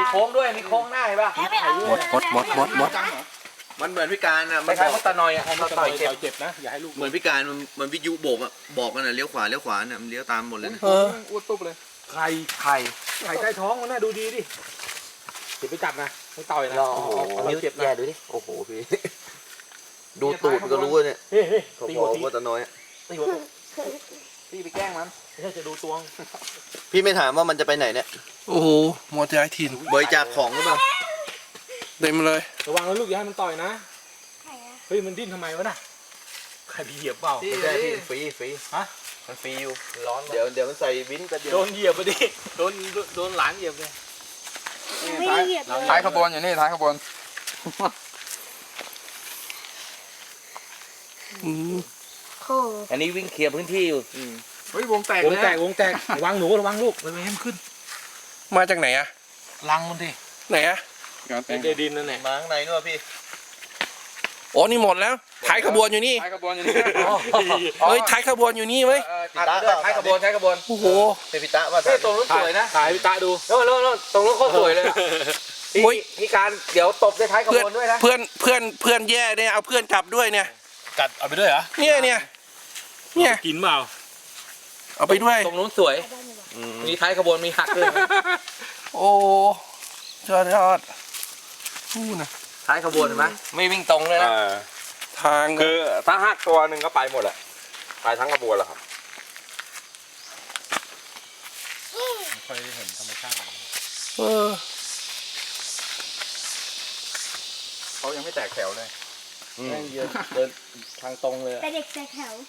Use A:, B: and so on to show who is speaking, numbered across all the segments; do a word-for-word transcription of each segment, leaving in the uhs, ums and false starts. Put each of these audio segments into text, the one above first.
A: โค้งด้วยมีโค้งหน้าเห็นป่ะ
B: หมดหมดหมดหมดหมด
C: มันเหมือนพิการอ่ะ
A: คล้ายๆมดตะนอยอ่ะมดตะนอยเจ็บ
D: เจ็บนะอย่าให้ลูก
C: เหมือนพิการมันมันวิทยุโบกอ่ะบอกกันอ่ะเลี้ยวขวาเลี้ยวขวาเนี่ยมันเลี้ยวตามหมดเลยนะ
B: เออ
D: อ้วนตุ๊บเลย
A: ไข่ไข่
D: ไข่ใต้ท้องมันน่าดูดีดิเดี๋ยวไปจับนะไม่ต่อยนะ
A: โอ้โห
D: เอา
A: นิ้ว
D: เจ็บนะ
A: แย่ดูดิ
C: โอ้โหพี่ดูตูดก็รู้เนี่ย
D: เฮ้ยเฮ้ย
C: เขา
D: ตี
C: บ
D: หั
C: อ
D: ว
C: ก
D: ที
C: ว่าตะน้อย
A: ตีหัวตีไปแกล้งมัน
D: ไม่ใช่จะดูตวง
C: พี่ไม่ถามว่ามันจะไปไหนเนี่ย
B: โอ้โหหมดย้ายถิ่น
C: บริจาคของหรือเปล่า
B: เต็มเลย
D: ระวังนะลูกอย่าให้มันต่อยนะเฮ้ยมันดิ้นทำไมวะน่ะใครไปเหยียบเปล่า
C: ไม่ใช่พี่ฟรีฟรี
D: ฮะ
C: มันฟรีอยู่
A: ร้อน
C: เดี๋ยวเดี๋ยวมันใส่วินแป๊บเดียว
D: โดนเหยียบไปดิโดนโดนหลานเหยียบเลย
E: ไม่เหยียบเลย
F: ท้ายขบวนอยู่นี่ท้ายขบวน
B: อืม
E: โอ้
A: อันนี้วิ่งเคลียร์พื้นที่อยู่
D: เฮ้ยวงแตกวงแตกวงแตกระวังหนูระวังลูกไม่ให้มันขึ้น
B: มาจากไหนอะ
D: ลังมันดิ
B: ไหนอะ
D: เดดินนั่นแหละ
C: มาข้างในนู่นพี่
B: โอ้นี่หมดแล้วท้ายขบวนอยู่นี่
F: ท้ายขบวนอยู่นี่
B: เฮ้ยท้ายขบวนอยู่นี่เว้ย
A: อัดไปด้วยท้ายขบวนท้ายขบวน
B: โอ้โห
C: เป็นพิตะว่า
A: เฮ้ยตรงนู้นสวยนะ
D: ถ่ายพี่ตาดู
A: โน่นโน่นโน่นตรงนู้นโคตรสวยเลยอะพี่พี่การเดี๋ยวตบด้วยท้ายข
B: เพื่อน
A: บวนด้วยนะ
B: เพื่อนเพื่อนเพื่อนแย่เนี่ยเอาเพื่อนกลับด้วยเนี่ย
D: กัดเอาไปด้วยเหรอ
B: เนี่ยเนี่ยเนี่ย
D: กินเปล่า
B: เอาไปด้วย
A: ตรงนู้นสวย มีท้ายขบวนมีหักด้วย
B: โอ้ยอดยอดนู่นนะ
A: ท้ายขบวนเห็นไหมไม่วิ่งตรงเลยนะ
B: ทาง
F: คือถ้าหักตัวหนึ่งก็ไปหมดแหละไปทั้งขบวนแหละครับ
D: ไม่ค่อยได้เห็นธรรมชาติ
B: เออ
F: เขายังไม่แตกแถวเลย
A: แม่งเดินเดินทางตรงเลยอะ
E: แต่เด็กแต่แถว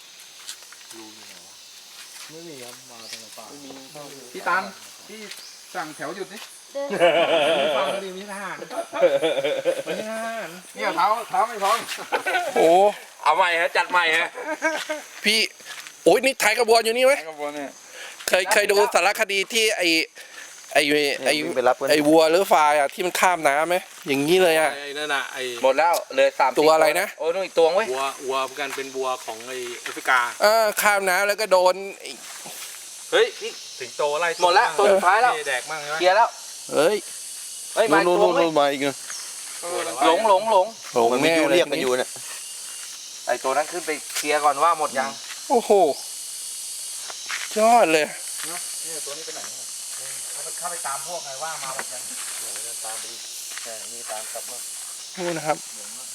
D: ไม่มีครับมาทางป่า
F: พี่ตันพี่สั่งแถวหยุดนี่
E: เดิน
D: ฟังดีมีทหารไม่ใช่ทหาร
F: เนี่ยเท้าเท้าไม่พร้อม
B: โอ้
A: เอาใหม่ฮะจัดใหม่ฮะ
B: พี่โอ้ยนี่ท้ายขบวนอยู่นี่ไหม
F: ท้ายขบวนเนี่ย
B: เคยเคยดูสารคดีที่ไอไอไอ
C: ไปรับกัน
B: ไอวัวหรือควายอ่ะที่มันข้ามน้ำไหมอย่างนี้เลยอ่ะ
D: ไอ้นั่นน่ะไอ้
A: หมดแล้วเลยสาม
B: ตัวอะไรนะ
A: โอ้ยนู่นอีกตัวเว้ย
D: วัววัวกันเป็นวัวของไอ้แอฟริกา
B: เออข้ามน้ำแล้วก็โดนไอ้
A: เฮ้ยพี่
D: สิงโตไล่
A: หมดแล้วตัวสุดท้ายแล้ว
D: แดกมั่งใช่ไหม
A: เคลียร์แล้ว
B: เอ้ย
A: เฮ้ยมาอีก
C: นู่น
A: ตัว
C: นู่น
A: เว้ย
C: นู่นมาอีกนะ
A: หลงหลงหลง
B: โหลง
C: มันวิ
B: แน่
C: ทยุ
B: เลย
C: เรียกกันอยู่เนี่ย
A: ไอตัวนั้นขึ้นไปเคลียร์ก่อนว่าหมดยัง
B: โอ้โหยอดเลย
A: นี่ตัวนี้ไปไหนเข้าไปตามพวกไงว่ามาหมดยังเดี๋ยวตามไปแค่มีตามกลับมา
B: นู่นนะครับ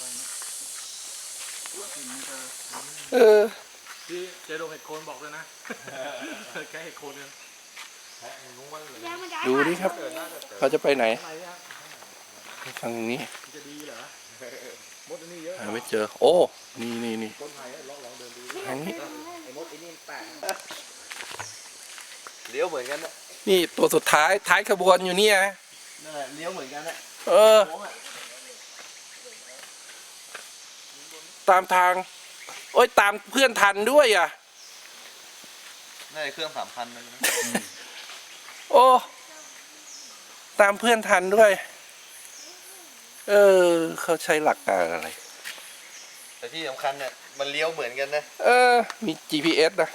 B: เออ
D: ที่เจโดเห็ดโคนบอกเลยนะแค่เห็ดโคนเนี่ย
B: ดูดิครับ เขาจะไปไหนทางนี้
D: จะดีเหรอมดอันนี้เยอะ
B: หาไม่เจอ โอ้นี่นี่นี่
D: ต้นไผ่ลองลองเดินดู
B: ทางนี้
A: ไอ้มดไอ้นี่แปลก
C: เลี้ยวเหมือนกันนะ
B: นี่ตัวสุดท้ายท้ายขบวนอยู่เนี่ย
C: นั่นแหละเลี้ยวเหมือนกันนะ
B: เออ ตามทาง โอ้ยตามเพื่อนทันด้วยอ่ะ
C: น่าจะเครื่องสามพันนะ
B: โอ้ตามเพื่อนทันด้วย เออ เขาใช้หลักการอะไร
C: แต่ที่สำคัญเนี่ยมันเลี้ยวเหมือนกันนะ
B: เออ มี จี พี เอส นะ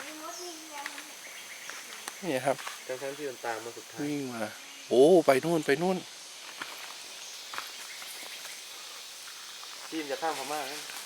B: นี่ครับ
C: ทั้งๆที่มันตามมาสุดท้าย
B: วิ่งมา โอ้ ไปนู่นไปนู่น
C: ที่มันจะข้ามพม่านะ